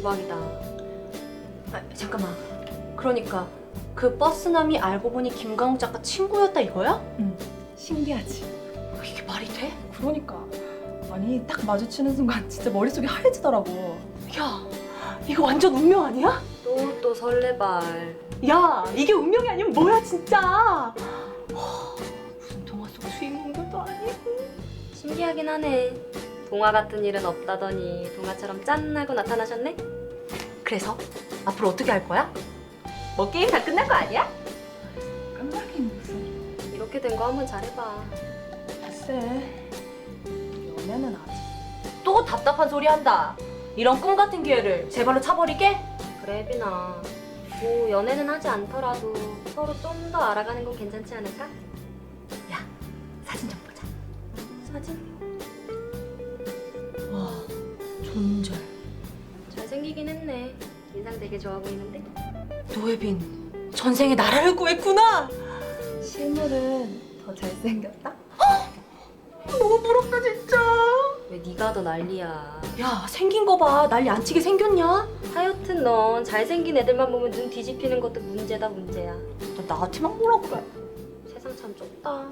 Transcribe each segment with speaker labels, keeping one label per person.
Speaker 1: 대박이다.
Speaker 2: 아, 잠깐만. 그러니까 그 버스남이 알고 보니 김강욱 작가 친구였다 이거야?
Speaker 3: 응. 신기하지?
Speaker 2: 이게 말이 돼?
Speaker 3: 그러니까. 아니 딱 마주치는 순간 진짜 머릿속이 하얘지더라고.
Speaker 2: 야, 이거 완전 운명 아니야?
Speaker 1: 또 설레발.
Speaker 2: 야, 이게 운명이 아니면 뭐야 진짜? 무슨 동화 속 주인공들도 아니고.
Speaker 1: 신기하긴 하네. 동화 같은 일은 없다더니 동화처럼 짠하고 나타나셨네?
Speaker 2: 그래서 앞으로 어떻게 할 거야? 뭐 게임 다 끝난 거 아니야?
Speaker 3: 깜짝이야 무슨.
Speaker 1: 이렇게 된 거 한번 잘해봐.
Speaker 3: 글쎄. 연애는 아직.
Speaker 2: 또 답답한 소리 한다. 이런 꿈 같은 기회를 제 발로 차버리게?
Speaker 1: 그래 혜빈아. 뭐 연애는 하지 않더라도 서로 좀 더 알아가는 건 괜찮지 않을까?
Speaker 2: 야, 사진 좀 보자.
Speaker 1: 사진?
Speaker 2: 와, 존잘.
Speaker 1: 잘생기긴 했네. 인상 되게 좋아 보이는데?
Speaker 2: 노예빈, 전생에 나라를 구했구나.
Speaker 3: 실물은 더 잘생겼다?
Speaker 2: 너무 부럽다 진짜.
Speaker 1: 왜 네가 더 난리야.
Speaker 2: 야, 생긴 거 봐. 난리 안 치게 생겼냐?
Speaker 1: 하여튼 넌 잘생긴 애들만 보면 눈 뒤집히는 것도 문제다 문제야.
Speaker 2: 너 나한테만 뭐라 그래?
Speaker 1: 세상 참 좁다.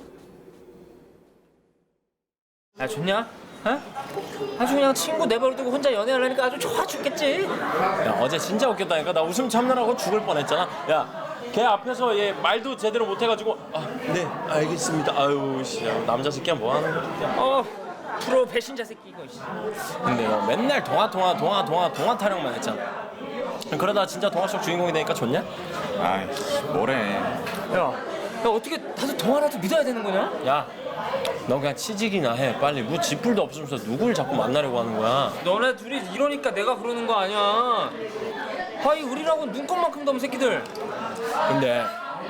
Speaker 4: 야 좋냐? 어? 아주 그냥 친구 내버려두고 혼자 연애하려니까 아주 좋아 죽겠지.
Speaker 5: 야 어제 진짜 웃겼다니까. 나 웃음 참느라고 죽을 뻔했잖아. 야 걔 앞에서 얘 말도 제대로 못해가지고 네 알겠습니다. 아유 씨 남자 새끼야 뭐 하는 거야.
Speaker 4: 프로 배신자 새끼 이거.
Speaker 5: 근데 너 맨날 동화 타령만 했잖아. 그러다 진짜 동화 속 주인공이 되니까 좋냐?
Speaker 6: 아이씨 뭐래.
Speaker 4: 야 어떻게 다들 동화라도 믿어야 되는 거냐?
Speaker 5: 야 너 그냥 취직이나 해. 빨리 뭐 지풀도 없으면서 누굴 자꾸 만나려고 하는 거야.
Speaker 4: 너네 둘이 이러니까 내가 그러는 거 아니야. 아이 우리라고 눈곱만큼도 없는 새끼들.
Speaker 5: 근데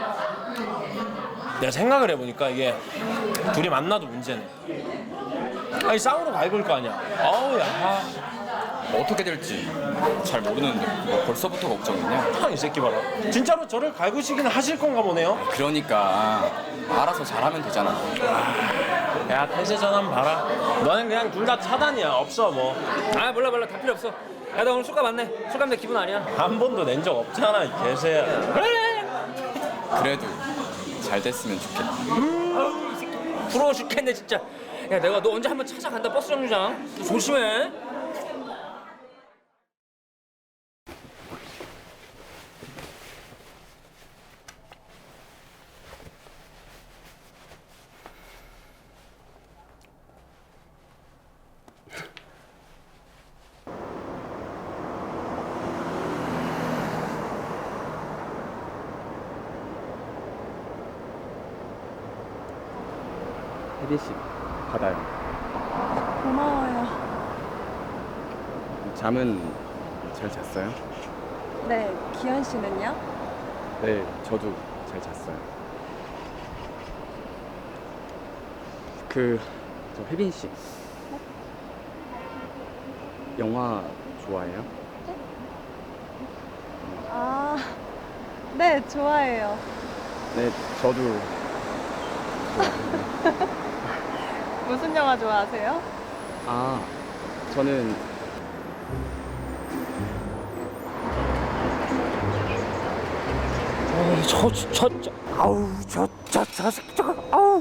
Speaker 5: 내가 생각을 해보니까 이게 둘이 만나도 문제네. 아니 싸우러 갈걸 거 아니야. 아우 야.
Speaker 6: 어떻게 될지 잘 모르는데 뭐 벌써부터 걱정이냐?
Speaker 5: 이 새끼 봐라. 진짜로 저를 갈구시기는 하실 건가 보네요.
Speaker 6: 그러니까 알아서 잘하면 되잖아.
Speaker 5: 야 태세 전환 봐라. 너는 그냥 둘 다 차단이야. 없어 뭐.
Speaker 4: 아 몰라 다 필요 없어. 야 나 오늘 술값 왔네. 술값 내 기분 아니야.
Speaker 5: 한 번도 낸 적 없잖아 이 개새야.
Speaker 6: 그래도 잘 됐으면 좋겠다.
Speaker 4: 부러워 죽겠네 진짜. 야 내가 너 언제 한번 찾아간다 버스 정류장. 너 조심해.
Speaker 7: 혜빈 씨, 받아요.
Speaker 3: 고마워요.
Speaker 7: 잠은 잘 잤어요?
Speaker 3: 네, 기현 씨는요?
Speaker 7: 네, 저도 잘 잤어요. 저 혜빈 씨. 영화 좋아해요?
Speaker 3: 아, 네, 좋아해요.
Speaker 7: 네, 저도
Speaker 3: 무슨 영화 좋아하세요?
Speaker 7: 아, 저는
Speaker 4: 저 새끼 저거 아우.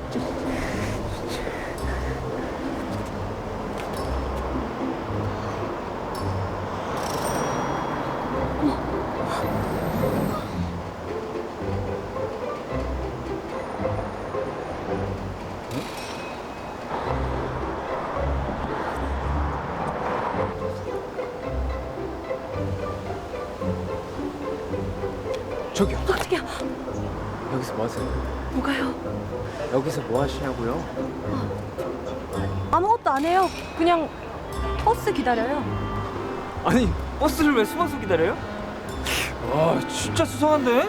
Speaker 7: 저기요.
Speaker 2: 어떡해.
Speaker 7: 여기서 뭐 하세요?
Speaker 2: 뭐가요?
Speaker 7: 여기서 뭐 하시냐고요?
Speaker 2: 아무것도 안 해요. 그냥 버스 기다려요.
Speaker 4: 아니 버스를 왜 숨어서 기다려요? 와 진짜 수상한데?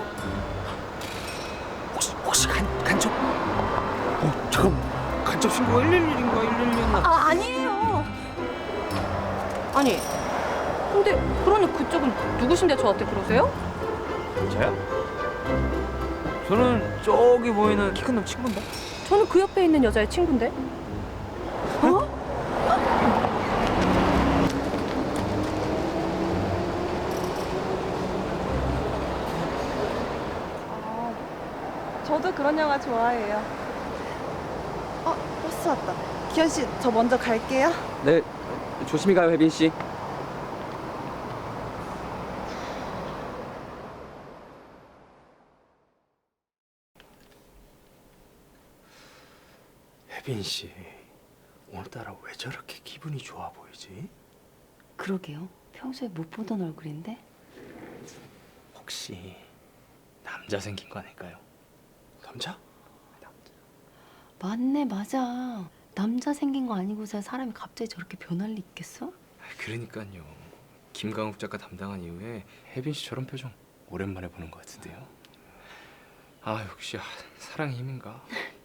Speaker 4: 혹시 간첩? 잠깐 간첩 신고가 111인가 111이었나?
Speaker 2: 아, 아니에요. 아니, 근데 그러니 그쪽은 누구신데 저한테 그러세요?
Speaker 4: 저요? 저는 저기 보이는 키 큰 놈 친구인데.
Speaker 2: 저는 그 옆에 있는 여자의 친구인데. 어?
Speaker 3: 저도 그런 영화 좋아해요. 버스 왔다. 기현 씨, 저 먼저 갈게요.
Speaker 7: 네, 조심히 가요, 혜빈 씨.
Speaker 8: 혜빈 씨, 오늘따라 왜 저렇게 기분이 좋아 보이지?
Speaker 9: 그러게요. 평소에 못 보던 얼굴인데.
Speaker 8: 혹시 남자 생긴 거 아닐까요? 남자?
Speaker 9: 맞네, 맞아. 남자 생긴 거 아니고서 사람이 갑자기 저렇게 변할 리 있겠어?
Speaker 8: 그러니까요. 김강욱 작가 담당한 이후에 혜빈 씨 저런 표정 오랜만에 보는 것 같은데요. 아 역시 사랑의 힘인가?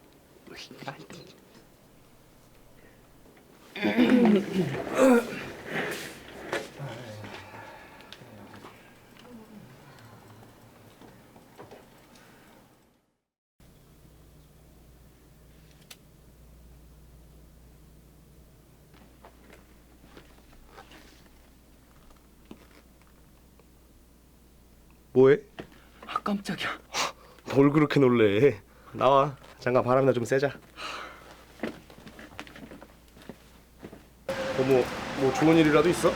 Speaker 8: 뭐해?
Speaker 7: 깜짝이야.
Speaker 8: 뭘 그렇게 놀래? 나와. 잠깐 바람이나 좀 쐬자. 뭐 좋은 일이라도 있어?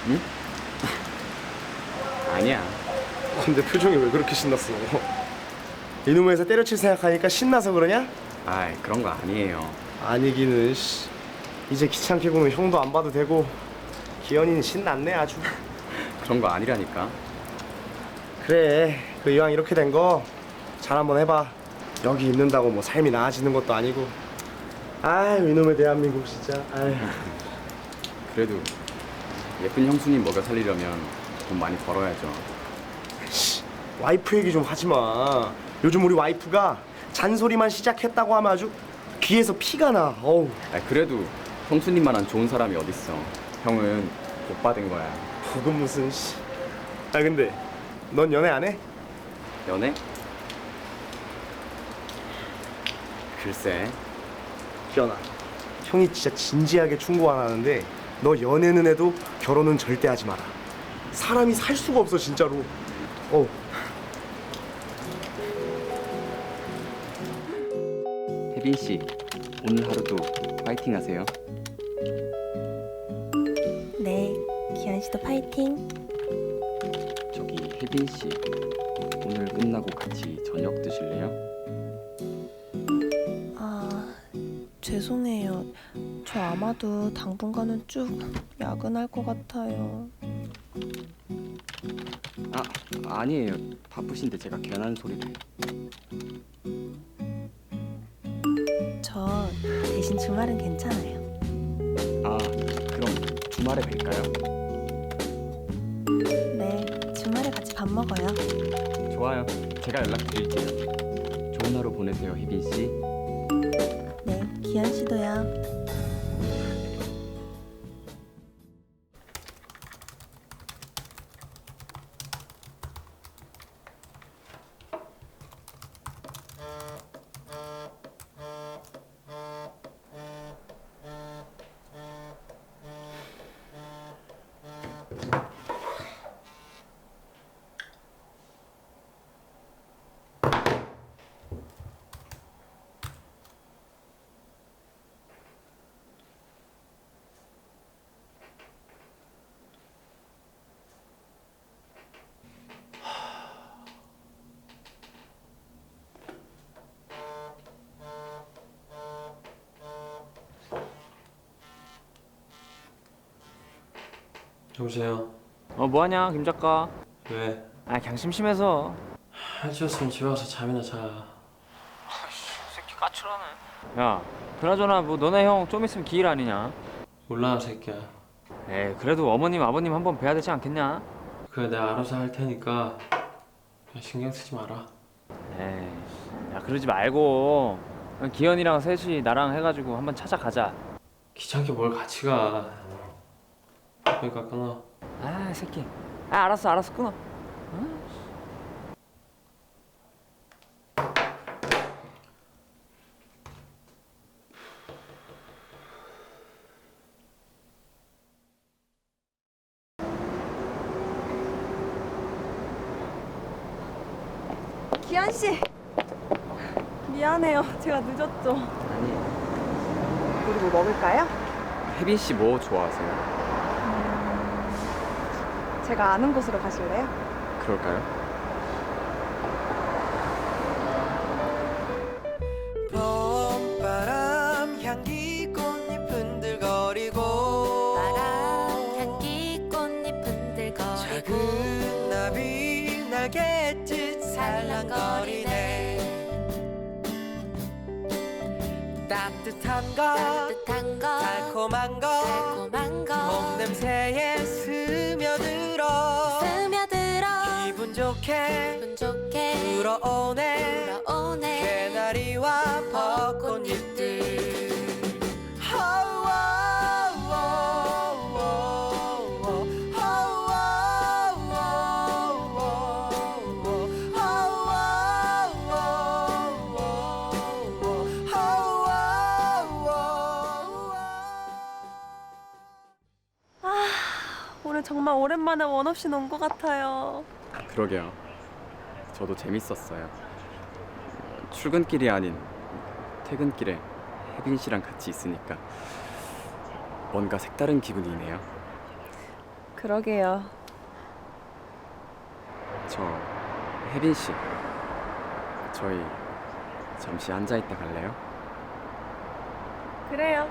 Speaker 7: 아니야.
Speaker 8: 근데 표정이 왜 그렇게 신났어? 이놈의 회사 때려칠 생각하니까 신나서 그러냐?
Speaker 7: 아이, 그런 거 아니에요.
Speaker 8: 아니기는 씨. 이제 귀찮게 보면 형도 안 봐도 되고 기현이는 신났네 아주.
Speaker 7: 그런 거 아니라니까.
Speaker 8: 그래 그 이왕 이렇게 된 거 잘 한번 해봐. 여기 있는다고 뭐 삶이 나아지는 것도 아니고. 아유 이놈의 대한민국 진짜. 아유.
Speaker 7: 그래도 예쁜 형수님 먹여 살리려면 돈 많이 벌어야죠.
Speaker 8: 씨, 와이프 얘기 좀 하지 마. 요즘 우리 와이프가 잔소리만 시작했다고 하면 아주 귀에서 피가 나. 어우.
Speaker 7: 그래도 형수님만한 좋은 사람이 어딨어. 형은 복 받은 거야.
Speaker 8: 그건 무슨 씨. 아 근데 넌 연애 안 해?
Speaker 7: 연애? 글쎄.
Speaker 8: 기현아, 형이 진짜 진지하게 충고 안 하는데 너 연애는 해도 결혼은 절대 하지 마라. 사람이 살 수가 없어 진짜로.
Speaker 7: 혜빈 씨, 오늘 하루도 파이팅 하세요.
Speaker 10: 네, 기현 씨도 파이팅.
Speaker 7: 저기 혜빈 씨, 오늘 끝나고 같이 저녁 드실래요?
Speaker 10: 죄송해요. 저 아마도 당분간은 쭉 야근할 것 같아요.
Speaker 7: 아니에요. 바쁘신데 제가 괜한 소리를.
Speaker 10: 저 대신 주말은 괜찮아요.
Speaker 7: 그럼 주말에 뵐까요?
Speaker 10: 네, 주말에 같이 밥 먹어요.
Speaker 7: 좋아요. 제가 연락드릴게요. 좋은 하루 보내세요, 혜빈 씨.
Speaker 10: 네, 기현 씨도요.
Speaker 5: 여보세요.
Speaker 4: 뭐하냐 김 작가.
Speaker 5: 왜?
Speaker 4: 그냥 심심해서.
Speaker 5: 할 수 없으면 집에 와서 잠이나 자.
Speaker 4: 새끼 까칠하네. 야 그나저나 뭐 너네 형 좀 있으면 기일 아니냐?
Speaker 5: 몰라 새끼야.
Speaker 4: 에이 그래도 어머님 아버님 한번 뵈야 되지 않겠냐?
Speaker 5: 그래 내가 알아서 할 테니까 그냥 신경 쓰지 마라.
Speaker 4: 에이 야 그러지 말고 그냥 기현이랑 셋이 나랑 해가지고 한번 찾아가자.
Speaker 5: 귀찮게 뭘 같이 가. 그러니까 끊어.
Speaker 4: 새끼. 알았어 끊어.
Speaker 3: 기현 씨,
Speaker 10: 미안해요. 제가 늦었죠.
Speaker 7: 아니,
Speaker 10: 우리 뭐 먹을까요?
Speaker 7: 혜빈 씨 뭐 좋아하세요?
Speaker 10: 제가 아는 곳으로 가실래요?
Speaker 7: 그럴까요?
Speaker 11: 봄바람 향기 꽃잎 흔들거리고
Speaker 12: 바람 향기 꽃잎 흔들거리고
Speaker 11: 작은 나비 날갯짓 살랑거리네 따뜻한 것 달콤한 것 봄 냄새에 스며들어 기분 좋게 불어오네 개나리와 벚꽃잎들
Speaker 10: 오늘 정말 오랜만에 원 없이 논 것 같아요.
Speaker 7: 그러게요. 저도 재밌었어요. 출근길이 아닌 퇴근길에 혜빈 씨랑 같이 있으니까 뭔가 색다른 기분이네요.
Speaker 10: 그러게요.
Speaker 7: 저 혜빈 씨, 저희 잠시 앉아 있다 갈래요?
Speaker 10: 그래요.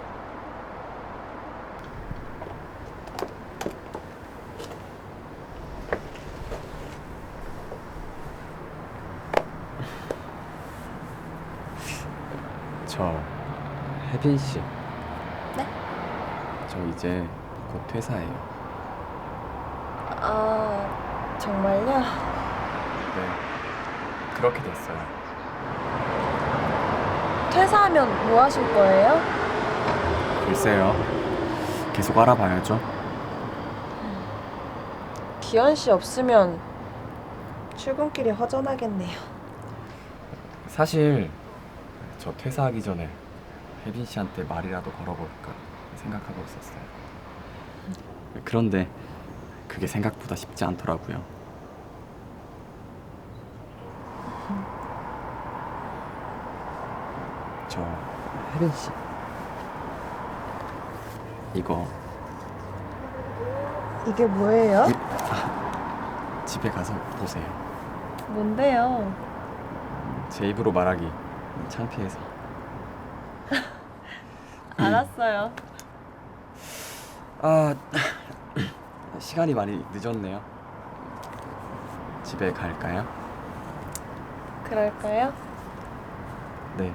Speaker 7: 저 혜빈 씨.
Speaker 10: 네?
Speaker 7: 저 이제 곧 퇴사해요.
Speaker 10: 아, 정말요?
Speaker 7: 네, 그렇게 됐어요.
Speaker 10: 퇴사하면 뭐 하실 거예요?
Speaker 7: 글쎄요. 계속 알아봐야죠.
Speaker 10: 기현 씨 없으면 출근길이 허전하겠네요.
Speaker 7: 사실 저 퇴사하기 전에 혜빈 씨한테 말이라도 걸어볼까 생각하고 있었어요. 그런데 그게 생각보다 쉽지 않더라고요. 저 혜빈 씨, 이거
Speaker 10: 이게 뭐예요?
Speaker 7: 집에 가서 보세요.
Speaker 10: 뭔데요?
Speaker 7: 제 입으로 말하기 창피해서.
Speaker 10: 알았어요.
Speaker 7: 아, 시간이 많이 늦었네요. 집에 갈까요?
Speaker 10: 그럴까요?
Speaker 7: 네.